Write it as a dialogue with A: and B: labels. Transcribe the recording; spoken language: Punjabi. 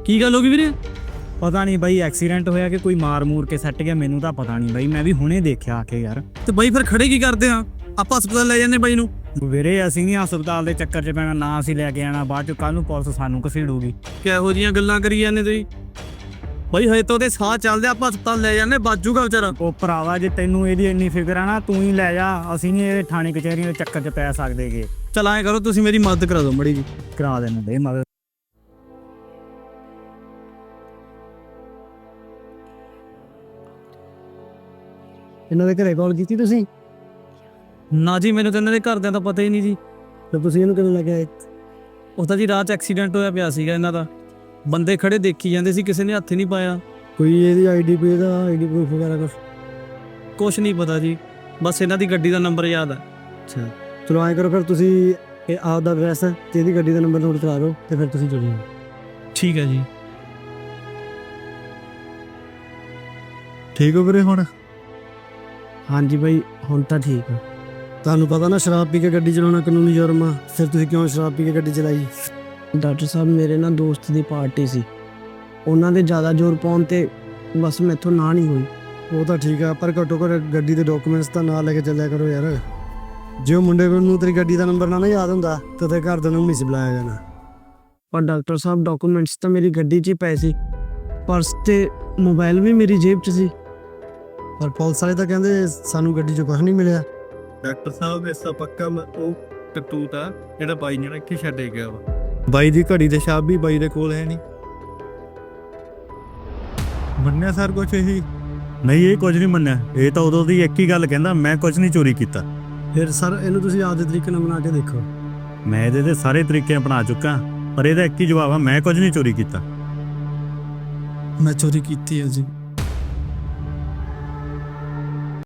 A: ਕੀ ਗੱਲ ਹੋ ਗਈ ਵੀਰੇ?
B: ਪਤਾ ਨਹੀਂ ਬਾਈ ਐਕਸੀਡੈਂਟ ਹੋਇਆ ਕਿ ਕੋਈ ਮਾਰ ਮੂਰ ਕੇ ਸੱਟ ਗਿਆ, ਮੈਨੂੰ ਤਾਂ ਪਤਾ ਨਹੀਂ ਬਾਈ, ਮੈਂ ਵੀ ਹੁਣੇ ਦੇਖਿਆ ਆ ਕੇ ਯਾਰ।
A: ਤੇ ਬਾਈ ਫਿਰ ਖੜੇ ਕੀ ਕਰਦੇ ਆ? ਆਪਾਂ ਹਸਪਤਾਲ ਲੈ ਜਾਂਦੇ ਬਾਈ ਨੂੰ।
B: ਵੀਰੇ ਅਸੀਂ ਨਹੀਂ ਹਸਪਤਾਲ ਦੇ ਚੱਕਰ 'ਚ ਪੈਣਾ, ਨਾ ਅਸੀਂ ਲੈ ਕੇ ਆਣਾ, ਬਾਅਦ 'ਚ ਕੱਲ ਨੂੰ ਪੁਲਿਸ ਸਾਨੂੰ ਘਸੀੜੂਗੀ।
A: ਕਿਹੋ ਜੀਆਂ ਗੱਲਾਂ ਕਰੀ ਜਾਂਦੇ ਤੁਸੀਂ ਬਾਈ? ਹਜੇ ਤਾਂ ਉਹਦੇ ਸਾਹ ਚੱਲਦੇ, ਆਪਾਂ ਹਸਪਤਾਲ ਲੈ ਜਾਂਦੇ, ਬਾਜੂਗਾ ਵਿਚਾਰਾ।
B: ਉਹ ਭਰਾਵਾ ਜੇ ਤੈਨੂੰ ਇਹਦੀ ਇੰਨੀ ਫਿਕਰ ਆ ਨਾ, ਤੂੰ ਹੀ ਲੈ ਜਾ, ਅਸੀਂ ਨਹੀਂ ਇਹ ਥਾਣੇ ਕਚਹਿਰੀਆਂ ਦੇ ਚੱਕਰ 'ਚ ਪੈ ਸਕਦੇਗੇ।
A: ਚਲ ਐਂ ਕਰੋ, ਤੁਸੀਂ ਮੇਰੀ ਮਦਦ ਕਰਾ ਦਿਓ ਮੜੀ ਜੀ।
B: ਕਰਾ ਦੇਣਾ ਦੇ ਮਦਦ।
C: ਇਹਨਾਂ ਦੇ ਘਰੇ ਕਾਲ ਕੀਤੀ ਤੁਸੀਂ?
A: ਨਾ ਜੀ, ਮੈਨੂੰ ਤਾਂ ਇਹਨਾਂ ਦੇ ਘਰਦਿਆਂ ਦਾ ਪਤਾ ਹੀ ਨਹੀਂ ਜੀ।
C: ਤੇ ਤੁਸੀਂ ਇਹਨੂੰ ਕਿਵੇਂ ਲੱਗਿਆ?
A: ਉਹ ਤਾਂ ਜੀ ਰਾਤ 'ਚ ਐਕਸੀਡੈਂਟ ਹੋਇਆ ਪਿਆ ਸੀਗਾ ਇਹਨਾਂ ਦਾ, ਬੰਦੇ ਖੜੇ ਦੇਖੀ ਜਾਂਦੇ ਸੀ, ਕਿਸੇ ਨੇ ਹੱਥ ਨਹੀਂ ਪਾਇਆ।
C: ਕੋਈ ਇਹਦੀ ਆਈਡੀ ਪੀ ਦਾ ਆਈਡੀ ਪ੍ਰੂਫ ਵਗੈਰਾ
A: ਕੁਛ ਨਹੀਂ ਪਤਾ ਜੀ, ਬਸ ਇਹਨਾਂ ਦੀ ਗੱਡੀ ਦਾ ਨੰਬਰ ਯਾਦ ਹੈ।
C: ਅੱਛਾ ਚਲੋ ਐਂ ਕਰੋ ਫਿਰ, ਤੁਸੀਂ ਇਹ ਆਪਦਾ ਐਡਰੈਸ ਤੇ ਇਹਦੀ ਗੱਡੀ ਦਾ ਨੰਬਰ ਨੋਟ ਕਰਾ ਦਿਓ ਤੇ ਫਿਰ ਤੁਸੀਂ ਚਲੇ ਜਾਓ।
A: ਠੀਕ ਹੈ ਜੀ।
C: ਠੀਕ ਹੋ ਵੀਰੇ ਹੁਣ? ਹਾਂਜੀ ਬਾਈ ਹੁਣ ਤਾਂ ਠੀਕ ਆ। ਤੁਹਾਨੂੰ ਪਤਾ ਨਾ ਸ਼ਰਾਬ ਪੀ ਕੇ ਗੱਡੀ ਚਲਾਉਣਾ ਕਾਨੂੰਨੀ ਜੁਰਮ ਆ, ਫਿਰ ਤੁਸੀਂ ਕਿਉਂ ਸ਼ਰਾਬ ਪੀ ਕੇ ਗੱਡੀ ਚਲਾਈ? ਡਾਕਟਰ ਸਾਹਿਬ ਮੇਰੇ ਨਾਲ ਦੋਸਤ ਦੀ ਪਾਰਟੀ ਸੀ, ਉਹਨਾਂ ਦੇ ਜ਼ਿਆਦਾ ਜ਼ੋਰ ਪਾਉਣ ਤੇ ਬਸ ਮੈਥੋਂ ਨਾ ਨਹੀਂ ਹੋਈ। ਉਹ ਤਾਂ ਠੀਕ ਆ, ਪਰ ਘੱਟੋ ਘੱਟ ਗੱਡੀ ਦੇ ਡਾਕੂਮੈਂਟਸ ਤਾਂ ਨਾਲ ਲੈ ਕੇ ਚੱਲਿਆ ਕਰੋ ਯਾਰ। ਜੇ ਉਹ ਮੁੰਡੇ ਨੂੰ ਤੇਰੀ ਗੱਡੀ ਦਾ ਨੰਬਰ ਨਾ ਯਾਦ ਹੁੰਦਾ ਤਾਂ ਤੇ ਘਰਦਿਆਂ ਨੂੰ ਨਹੀਂ ਸੀ ਬੁਲਾਇਆ ਜਾਣਾ। ਪਰ ਡਾਕਟਰ ਸਾਹਿਬ ਡਾਕੂਮੈਂਟਸ ਤਾਂ ਮੇਰੀ ਗੱਡੀ 'ਚ ਹੀ ਪਏ ਸੀ, ਪਰਸ ਤੇ ਮੋਬਾਈਲ ਵੀ ਮੇਰੀ ਜੇਬ 'ਚ ਸੀ। ਪਰ ਪੁਲਿਸ ਵਾਲੇ ਤਾਂ ਕਹਿੰਦੇ ਸਾਨੂੰ ਗੱਡੀ 'ਚ ਕੁਝ ਨਹੀਂ ਮਿਲਿਆ।
D: ਡਾਕਟਰ ਸਾਹਿਬ ਇਸ ਦਾ ਪੱਕਾ ਉਹ ਟਟੂਟ ਆ ਜਿਹੜਾ ਬਾਈ ਨੇ ਇੱਥੇ ਛੱਡੇ ਗਿਆ ਵਾ।
C: ਬਾਈ ਦੀ ਘੜੀ ਤੇ ਛਾਪ ਵੀ ਬਾਈ ਦੇ ਕੋਲ ਹੈ ਨਹੀਂ।
D: ਮੰਨਿਆ ਸਰ ਕੁਛ ਇਹੀ?
B: ਨਹੀਂ ਇਹ ਕੁਝ ਨਹੀਂ ਮੰਨਿਆ, ਇਹ ਤਾਂ ਉਦੋਂ ਦੀ ਇੱਕ ਹੀ ਗੱਲ ਕਹਿੰਦਾ, ਮੈਂ ਕੁਝ ਨਹੀਂ ਚੋਰੀ ਕੀਤਾ।
C: ਫਿਰ ਸਰ ਇਹਨੂੰ ਤੁਸੀਂ ਆਪਦੇ ਤਰੀਕੇ ਨਾਲ ਬਣਾ ਕੇ ਦੇਖੋ।
B: ਮੈਂ ਇਹਦੇ ਦੇ ਸਾਰੇ ਤਰੀਕੇ ਅਪਣਾ ਚੁੱਕਾ, ਪਰ ਇਹਦਾ ਇੱਕ ਹੀ ਜਵਾਬ ਆ, ਮੈਂ ਕੁਝ ਨਹੀਂ ਚੋਰੀ ਕੀਤਾ।
C: ਮੈਂ ਚੋਰੀ ਕੀਤੀ ਹੈ ਜੀ।